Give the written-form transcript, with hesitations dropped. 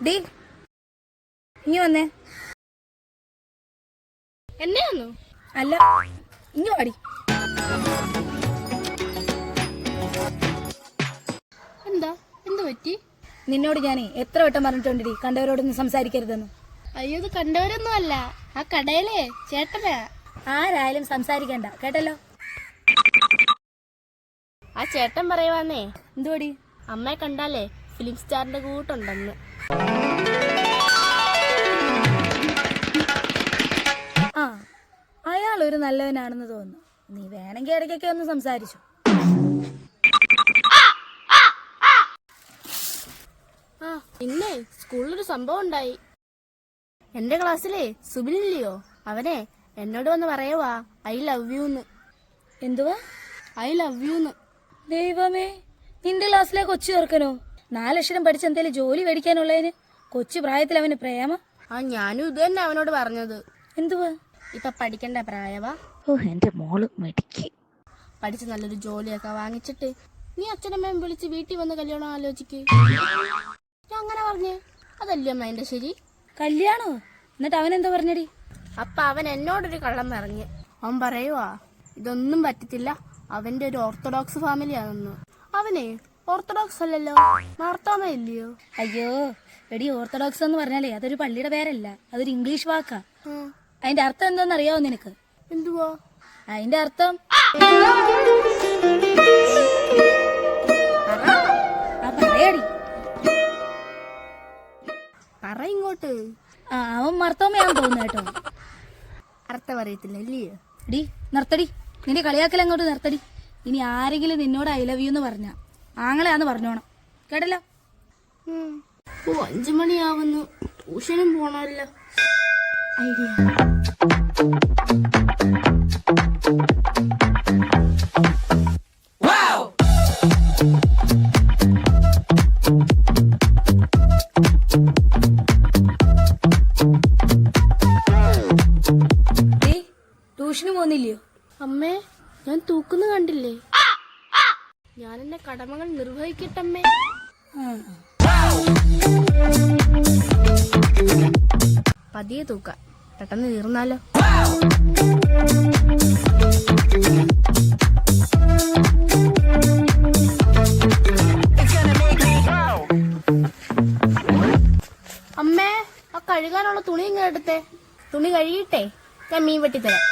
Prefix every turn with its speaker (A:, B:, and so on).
A: D ഇനി വന്നേ.
B: എന്നെയാന്നു
A: അല്ല, ഇനി വാടി.
B: എന്താ എന്ത് പറ്റി?
A: നിന്നോട് ഞാനേ എത്ര വട്ടം പറഞ്ഞിട്ടുണ്ടടി കണ്ടവരോടൊന്നും സംസാരിക്കരുതെന്ന്.
B: അയ്യോ, ഇത് കണ്ടവരൊന്നും അല്ല, ആ കടയിലെ ചേട്ടനാ.
A: ആരായാലും സംസാരിക്കണ്ട കേട്ടല്ലോ.
B: ആ ചേട്ടൻ പറയുവാന്നേ,
A: എന്തുവാടി?
B: അമ്മയെ കണ്ടാലേ ഫിലിം സ്റ്റാറിന്റെ കൂട്ടുണ്ടെന്ന്.
A: ആ, അയാളൊരു നല്ലവനാണെന്ന് തോന്നുന്നു. നീ വേണമെങ്കിൽ ഇടയ്ക്കൊക്കെ ഒന്ന് സംസാരിച്ചു.
B: ആ പിന്നെ സ്കൂളിലൊരു സംഭവം ഉണ്ടായി. എന്റെ ക്ലാസ്സിലെ സുബിലില്ലയോ, അവനെ എന്നോട് വന്ന് പറയുവാ ഐ ലവ് യൂന്ന്.
A: എന്തുവാ
B: ഐ ലവ് യൂന്ന്?
A: ദൈവമേ, നിന്റെ ക്ലാസ്സിലെ കൊച്ചു ചേർക്കനോ? 4 അക്ഷരം പഠിച്ച് എന്തേലും ജോലി മേടിക്കാനുള്ളതിന് കൊച്ചു പ്രായത്തിൽ അവന് പ്രേമ?
B: ആ ഞാനും ഇത് തന്നെ അവനോട് പറഞ്ഞത്.
A: എന്തുവാ?
B: ഇപ്പൊ പഠിക്കണ്ട പ്രായവാ.
A: ഓ, എന്റെ മോള് മെടിക്ക്.
B: പഠിച്ച് നല്ലൊരു ജോലിയൊക്കെ വാങ്ങിച്ചിട്ട് നീ അച്ഛനമ്മയും വിളിച്ച് വീട്ടിൽ വന്ന് കല്യാണം ആലോചിക്ക്. ഞാൻ അങ്ങനെ പറഞ്ഞേ, അതല്ലേ അമ്മ എന്റെ ശരി?
A: കല്യാണോ? എന്നിട്ട് അവൻ എന്താ പറഞ്ഞടി?
B: അപ്പൊ അവൻ എന്നോടൊരു കള്ളം പറഞ്ഞ്. അവൻ പറയുവാ ഇതൊന്നും പറ്റത്തില്ല, അവന്റെ ഒരു ഓർത്തഡോക്സ് ഫാമിലിയാണെന്ന്. അവനെ ഓർത്തഡോക്സ് അല്ലല്ലോ, മാർത്തോമ ഇല്ലയോ?
A: അയ്യോ എടി, ഓർത്തഡോക്സ് എന്ന് പറഞ്ഞാലേ അതൊരു പള്ളിയുടെ പേരല്ല, അതൊരു ഇംഗ്ലീഷ് വാക്കാ. അതിന്റെ അർത്ഥം എന്താന്ന് അറിയാവോ നിനക്ക്?
B: എന്തുവാ
A: അതിന്റെ അർത്ഥം? പറയാടി.
B: പറ ഇങ്ങോട്ട്.
A: അവൻ മർത്തോമയാന്ന് തോന്നുന്നു കേട്ടോ.
B: അർത്ഥം അറിയത്തില്ല ഇല്ലയോ?
A: ഡി നിർത്തടി, നിന്റെ കളിയാക്കൽ അങ്ങോട്ട് നിർത്തടി. ഇനി ആരെങ്കിലും നിന്നോട് ഐ ലവ് യു എന്ന് പറഞ്ഞ ആങ്ങളെയാന്ന് പറഞ്ഞോണം കേട്ടല്ലോ.
B: 5 മണിയാവുന്നു, ട്യൂഷനും പോണല്ലോ. ഐഡിയ.
A: ട്യൂഷന് പോകുന്നില്ലയോ?
B: അമ്മേ, ഞാൻ തൂക്കുന്ന കണ്ടില്ലേ? ഞാൻ എന്റെ കടമകൾ നിർവഹിക്കട്ടമ്മേ. പതിയെ തൂക്ക, പെട്ടെന്ന് തീർന്നാലോ. അമ്മേ, ആ കഴുകാനുള്ള തുണി ഇങ്ങനെ എടുത്തേ. തുണി കഴുകിയിട്ടേ ഞാൻ മീൻ വെട്ടിത്തരാം.